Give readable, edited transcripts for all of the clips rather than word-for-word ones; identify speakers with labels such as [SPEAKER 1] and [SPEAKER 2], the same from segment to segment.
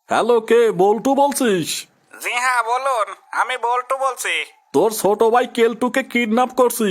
[SPEAKER 1] Hello, কে? বল্টু বলছিস?
[SPEAKER 2] জি হ্যাঁ বলুন, আমি বল্টু বলছি।
[SPEAKER 1] তোর ছোট ভাই কেলটুকে কিডন্যাপ করছি।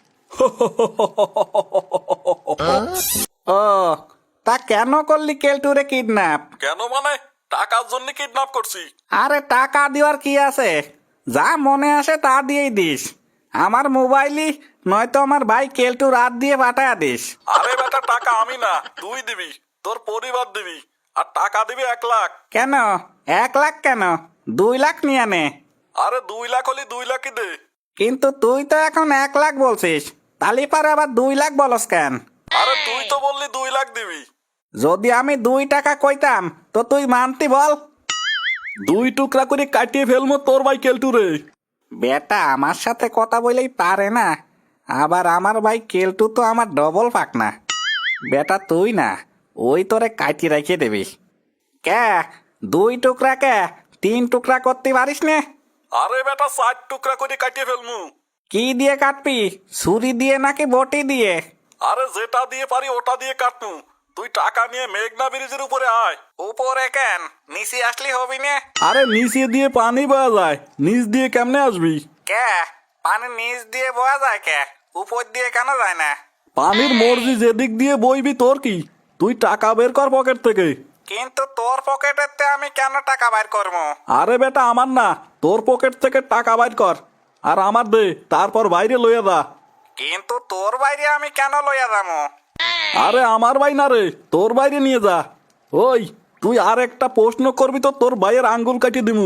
[SPEAKER 2] ও, তা কেন করলি কেলটুরে কিডন্যাপ?
[SPEAKER 1] কেন মানে? টাকার জন্য কিডন্যাপ করছি।
[SPEAKER 2] আরে টাকা দেওয়ার কি আছে, যা মনে আসে তা দিয়েই দিস। আমার মোবাইলই নয়তো আমার ভাই কেলটু রাত দিয়ে পাঠায়া দিস।
[SPEAKER 1] আরে বেটা, টাকা আমি না, তুই দিবি, তোর পরিবার দিবি। আর টাকা দিবি 1 লাখ।
[SPEAKER 2] কেন 1 লাখ কেন, 2 লাখ নিয়ে নে।
[SPEAKER 1] আরে 2 লাখ হলে 2 লাখই দে।
[SPEAKER 2] কিন্তু তুই তো এখন 1 লাখ বলছিস, তালি পারে আবার 2 লাখ বলস কেন?
[SPEAKER 1] আরে তুই তো বললি 2 লাখ দিবি।
[SPEAKER 2] যদি আমি 2 টাকা কইতাম তো তুই মানতি বল?
[SPEAKER 1] 2 টুকরা করে কাটিয়ে ফেলবো তোর ভাই কেলটুরে।
[SPEAKER 2] বেটা আমার সাথে কথা বলেই পারে না, আবার আমার ভাই কেলটু তো আমার ডবল পাকনা। বেটা তুই না, ওই তোরে কাটি রেখে দেবি। কে 2 টুকরা কে 3 টুকরা করতে পারিস নে?
[SPEAKER 1] আরে বেটা 4 টুকরা করে কাটিয়ে ফেলমু।
[SPEAKER 2] কি দিয়ে কাটবি, ছুরি দিয়ে নাকি বটি দিয়ে?
[SPEAKER 1] আরে যেটা দিয়ে পারি ওটা দিয়ে কাটনু। তুই টাকা নিয়ে মেঘনা ব্রিজের উপরে আয়।
[SPEAKER 2] উপরে কেন, নিচে আসলি হবি নে?
[SPEAKER 1] আরে নিচে দিয়ে পানি বয়া যায়, নিচ দিয়ে কেমনে আসবি?
[SPEAKER 2] কে পানি নিচ দিয়ে বয়া যায়, কে উপর দিয়ে কেন যায় না?
[SPEAKER 1] পানির মর্জি যেদিক দিয়ে বইবি তোর কি? তুই টাকা বের কর পকেট থেকে।
[SPEAKER 2] কিন্তু তোর পকেটেতে আমি কেন টাকা বাইর করবো?
[SPEAKER 1] আরে বেটা আমার না, তোর পকেট থেকে টাকা বাইর কর আর আমার দে, তারপর বাইরে লইয়া যা।
[SPEAKER 2] কিন্তু তোর বাইরে আমি কেন লইয়া যাবো?
[SPEAKER 1] আরে আমার ভাই না রে, তোর বাইরে নিয়ে যা। ওই তুই আর একটা প্রশ্ন করবি তো তোর ভাইয়ের আঙ্গুল কাটিয়ে দিমু।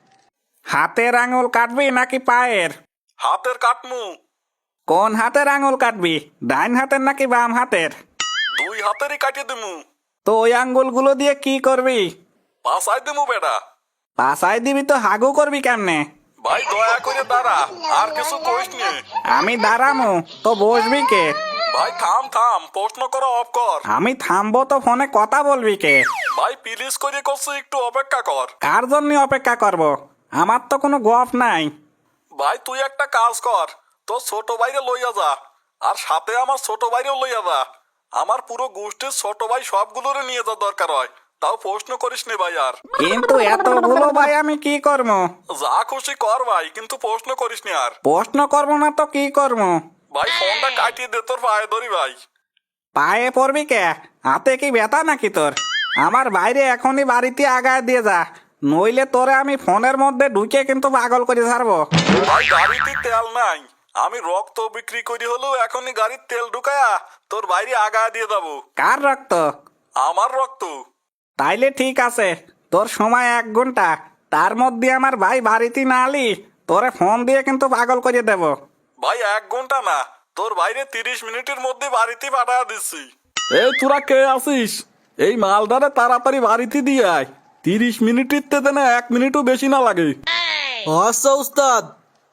[SPEAKER 2] হাতের আঙুল কাটবি নাকি পায়ের?
[SPEAKER 1] হাতের কাটমু।
[SPEAKER 2] কোন হাতের আঙুল কাটবি, ডাইন হাতের নাকি বাম হাতের?
[SPEAKER 1] 2 হাতেরই কাটিয়ে দিমু।
[SPEAKER 2] তো ওই আঙ্গুলগুলো দিয়ে কি করবি?
[SPEAKER 1] পাশাই দিমু বেটা।
[SPEAKER 2] পাশায় দিবি তো হাগু করবি কেমনে?
[SPEAKER 1] ভাই দয়া করে দাঁড়া, আর কিছু কইস নে।
[SPEAKER 2] আমি দাঁড়ামু তো বসবি কে?
[SPEAKER 1] ভাই থাম থাম, প্রশ্ন করা অফ কর।
[SPEAKER 2] আমি থামবো তো ফোনে কথা বলবি কে?
[SPEAKER 1] ভাই প্লিজ করে করছি, একটু অপেক্ষা কর।
[SPEAKER 2] কার জন্য অপেক্ষা করব? আমার তো কোনো গপ নাই।
[SPEAKER 1] ভাই তুই একটা কাজ কর, তোর ছোট ভাইরে লইয়া যা, আর সাথে আমার ছোট ভাইরেও লইয়া যা। আমার পুরো গোষ্ঠীর ছোট ভাই সবগুলোরে নিয়ে যা দরকার হয়, তাও প্রশ্ন করিস নে ভাই আর।
[SPEAKER 2] কিন্তু এতগুলো ভাই আমি কি করবো?
[SPEAKER 1] যা খুশি কর ভাই, কিন্তু প্রশ্ন করিস নি আর।
[SPEAKER 2] প্রশ্ন করবো না তো কি করবো?
[SPEAKER 1] ভাই ফোনটা কাটিয়ে দে, তোর পায়ে ধরি ভাই।
[SPEAKER 2] পায়ে পড়বি কে? হাতে কি ব্যথা নাকি তোর? আমার বাইরে এখনই বাড়িতে আগায় দিয়ে যা, নইলে তোরে আমি ফোনের মধ্যে ঢুকে কিন্তু পাগল করে ছাড়বো।
[SPEAKER 1] ভাই গাড়িতে তেল নাই, আমি রক্ত বিক্রি করি হলেও এখনই গাড়ির তেল ঢুকায়া তোর বাইরে আগা দিয়ে যাবো।
[SPEAKER 2] কার রক্ত?
[SPEAKER 1] আমার রক্ত।
[SPEAKER 2] তাইলে ঠিক আছে, তোর সময় 1 ঘন্টা, তার মধ্যে আমার ভাই বাড়িতে না আলি তোরে ফোন দিয়ে কিন্তু পাগল করে দেব।
[SPEAKER 1] ভাই 1 ঘন্টা না, তোর বাইরে 30 মিনিটের মধ্যে বাড়িতে পাঠায় দিচ্ছি। এই তোরা কে আছিস? এই মালদারে তাড়াতাড়ি বাড়িতে দিয়ে আয়। 30 মিনিটের তে না 1 মিনিটও বেশি না লাগে।
[SPEAKER 3] হর্ষ উস্তাদ,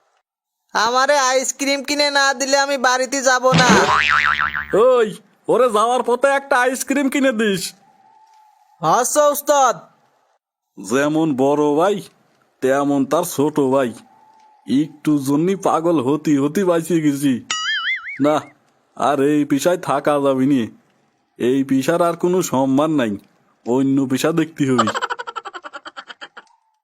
[SPEAKER 3] আমারে আইসক্রিম কিনে না দিলে আমি বাড়িতে যাব না।
[SPEAKER 1] ওই ওরে যাওয়ার পথে একটা আইসক্রিম কিনে দিস।
[SPEAKER 3] হর্ষ উস্তাদ,
[SPEAKER 1] যেমন বড় ভাই তেমন তার ছোট ভাই, একটু জন্যই পাগল হতি হতি বাঁচিয়ে গেছি। না, আর এই পেশায় থাকা যাবে নি। এই পেশার আর কোনো সম্মান নাই, অন্য পেশা দেখতে হবে।